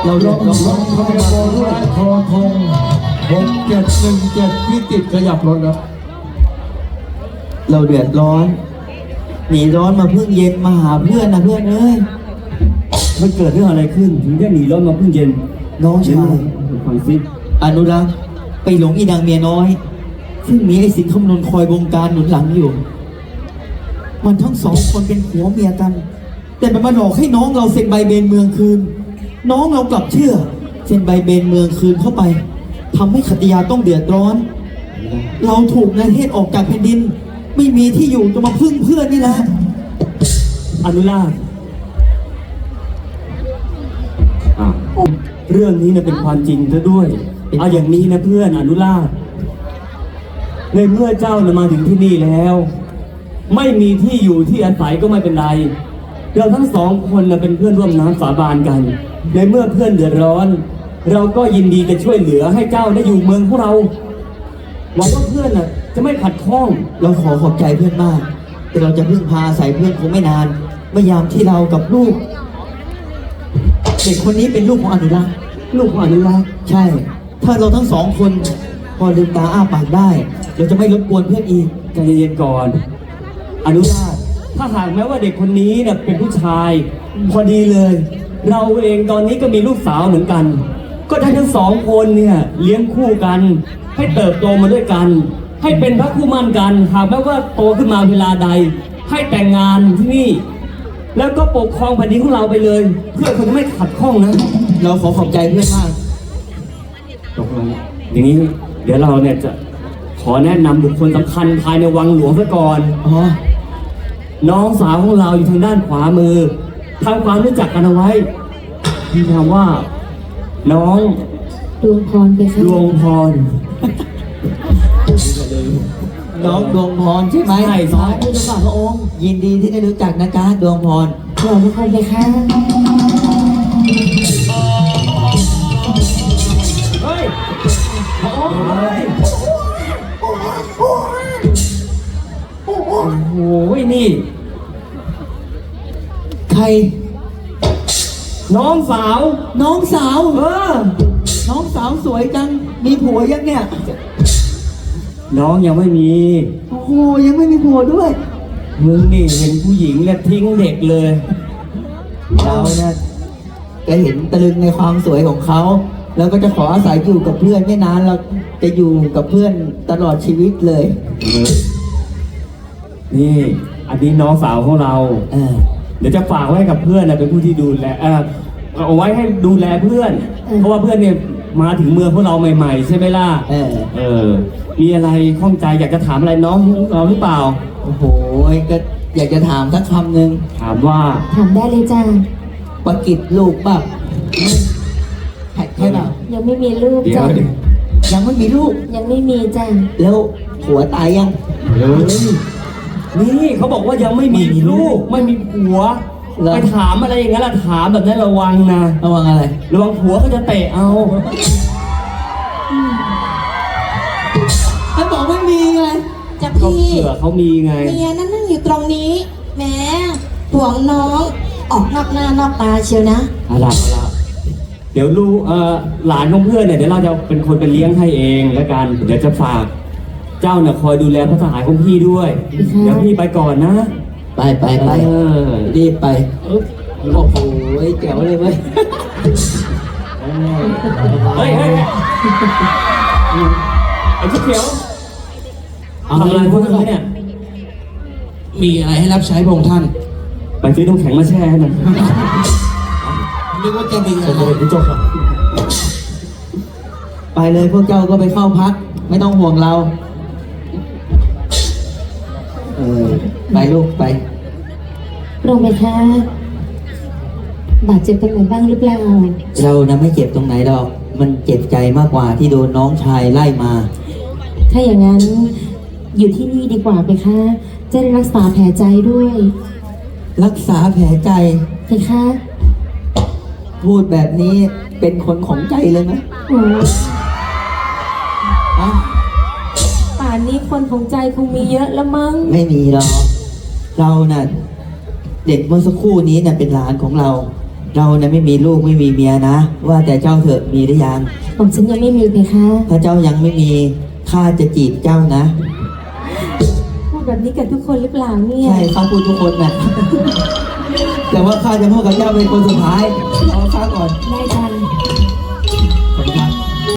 เราเดือดร้อนทบด้วยทอทง6717พิจิตรขยับรถครับเราเดือดร้อนหนีร้อนมาเพิ่งเย็นมาหาเพื่อนนะเพื่อนเอ้ยมันเกิดเรื่องอะไรขึ้นถึงได้หนีร้อนมาเพิ่งเย็นน้องชายฟังซิอนุรักษ์ไปหลงอีนางเมียน้อยซึ่งมีไอ้สินคำนวณคอยบงการหนุนหลังอยู่มันทั้งสองคนเป็นผัวเมียกันแต่มันมาหลอกให้น้องเราเซ็นใบเบนเมืองคืนน้องเรากลับเชื่อเซ็นใบเบนเมืองคืนเข้าไปทำให้ขัตติยาต้องเดือดร้อนเราถูกนายเทศออกจากแผ่นดินไม่มีที่อยู่จะมาพึ่งเพื่อนนี่แหละอนุราชเรื่องนี้เป็นความจริงซะด้วยเอาอย่างนี้นะเพื่อนอนุราชในเมื่อเจ้ามาถึงที่นี่แล้วไม่มีที่อยู่ที่อาศัยก็ไม่เป็นไรเราทั้งสองคนเป็นเพื่อนร่วมน้ำสาบานกันในเมื่อเพื่อนเดือดร้อนเราก็ยินดีจะช่วยเหลือให้เจ้าได้อยู่เมืองของเราหวังว่าเพื่อนจะไม่ขัดข้องเราขอบใจเพื่อนมากแต่เราจะพึ่งพาอาศัยเพื่อนคงไม่นานเมื่อยามที่เรากับลูกเด็กคนนี้เป็นลูกของอนุรักษ์ลูกของอนุรักษ์ใช่ถ้าเราทั้งสองคนพอลืมตาอ้าปากได้เราจะไม่รบกวนเพื่อนอีกใจเย็นๆก่อนอนุราชถ้าหากแม้ว่าเด็กคนนี้เป็นผู้ชายพอดีเลยเราเองตอนนี้ก็มีลูกสาวเหมือนกันก็ได้ทั้งสองคนเนี่ยเลี้ยงคู่กันให้เติบโตมาด้วยกันให้เป็นพระคู่มั่นกันหากแม้ว่าโตขึ้นมาเวลาใดให้แต่งงานที่นี่แล้วก็ปกครองแผ่นดินของเราไปเลยเพื่อคนไม่ขัดข้องนะเราขอบใจเพื่อนมากตกลงอย่างนี้เดี๋ยวเราเนี่ยจะขอแนะนำบุคคลสำคัญภายในวังหลวงซะก่อนน้องสาวของเราอยู่ทางด้านขวามือทำความรู้จักกันเอาไว้มีนามว่าน้องดวงพรไปค่ะดวงพรน้องดวงพรใช่ไหมใช่น้องผู้เจ้าข้าพระองค์ยินดีที่ได้รู้จักนะจ๊ะดวงพรขอบคุณไปค่ะเฮ้ยโอ้ยนี่ใครน้องสาวน้องสาวน้องสาวสวยจังมีผัวยังเนี่ยน้องยังไม่มีโอ้โหยังไม่มีผัวด้วยมึงนี่เห็นผู้หญิงแล้วทิ้งเด็กเลยเราเนี่ยก็เห็นตะลึงในความสวยของเขาแล้วก็จะขออาศัยอยู่กับเพื่อนไม่นานเราจะอยู่กับเพื่อนตลอดชีวิตเลยนี่อันนี้น้องสาวของเราเดี๋ยวจะฝากไว้กับเพื่อนเป็นผู้ที่ดูแลเอาไว้ให้ดูแลเพื่อนเพราะว่าเพื่อนเนี่ยมาถึงเมืองพวกเราใหม่ๆใช่ไหมล่ะมีอะไรข้องใจอยากจะถามอะไรน้องเราหรือเปล่าโอ้โหก็อยากจะถามสักคำหนึ่งถามว่าถามได้เลยจ้าปกิจลูกป่ะใช่ป่ะยังไม่มีลูกจ้ะยังไม่มีลูกยังไม่มีจ้ะแล้วผัวตายยังนี่เขาบอกว่ายังไม่มีลูกไม่มีผัวไปถามอะไรอย่างนั้นล่ะถามแบบนั้นระวังนะระวังอะไรระวังผัวเขาจะเตะเอาเขาบอกไม่มีไงจะพี่เผื่อเขามีไงเมียนั่งอยู่ตรงนี้แหมห่วงน้องออกนอกหน้านอกตาเชียวนะอะไรเดี๋ยวลูกหลานของเพื่อนเนี่ยเดี๋ยวเราจะเป็นคนไปเลี้ยงให้เองแล้วกันเดี๋ยวจะฝากเจ้าเนี่ยคอยดูแลพระสหายของพี่ด้วยเดี๋ยวพี่ไปก่อนนะไปรีบไปโอ้โหแจ๋วเลยเว้ยเฮ้ยไอ้ชุดเขียวทำอะไรพวกนี้เนี่ยมีอะไรให้รับใช้พระองค์ท่านไปซื้อน้ำแข็งมาแช่ให้หน่อยนึกว่าจะมีอะไรจบไปเลยพวกเจ้าก็ไปเข้าพักไม่ต้องห่วงเราไปลูกไปลงไปค่ะบาดเจ็บตรงไหนบ้างหรือเปล่าเรานะไม่เจ็บตรงไหนหรอกมันเจ็บใจมากกว่าที่โดนน้องชายไล่มาถ้าอย่างนั้นอยู่ที่นี่ดีกว่าไปค่ะจะได้รักษาแผลใจด้วยรักษาแผลใจไปค่ะพูดแบบนี้เป็นคนของใจเลยไหมป่านนี้คนของใจคงมีเยอะแล้วมั้งไม่มีหรอกเราน่ะเด็กเมื่อสักครู่นี้น่ะเป็นหลานของเราเราเนี่ยไม่มีลูกไม่มีเมียนะ ว่าแต่เจ้าเถอะมีหรือยังผมฉันยังไม่มีเพคะถ้าเจ้ายังไม่มีข้าจะจีบเจ้านะพูดแบบนี้กับทุกคนหรือเปล่าเนี่ยใช่ข้าพูดทุกคนนะ แต่ว่าข้าจะพูดกับเจ้าเป็นคนสุดท้ายเอาข้าก่อนได้จ้ะ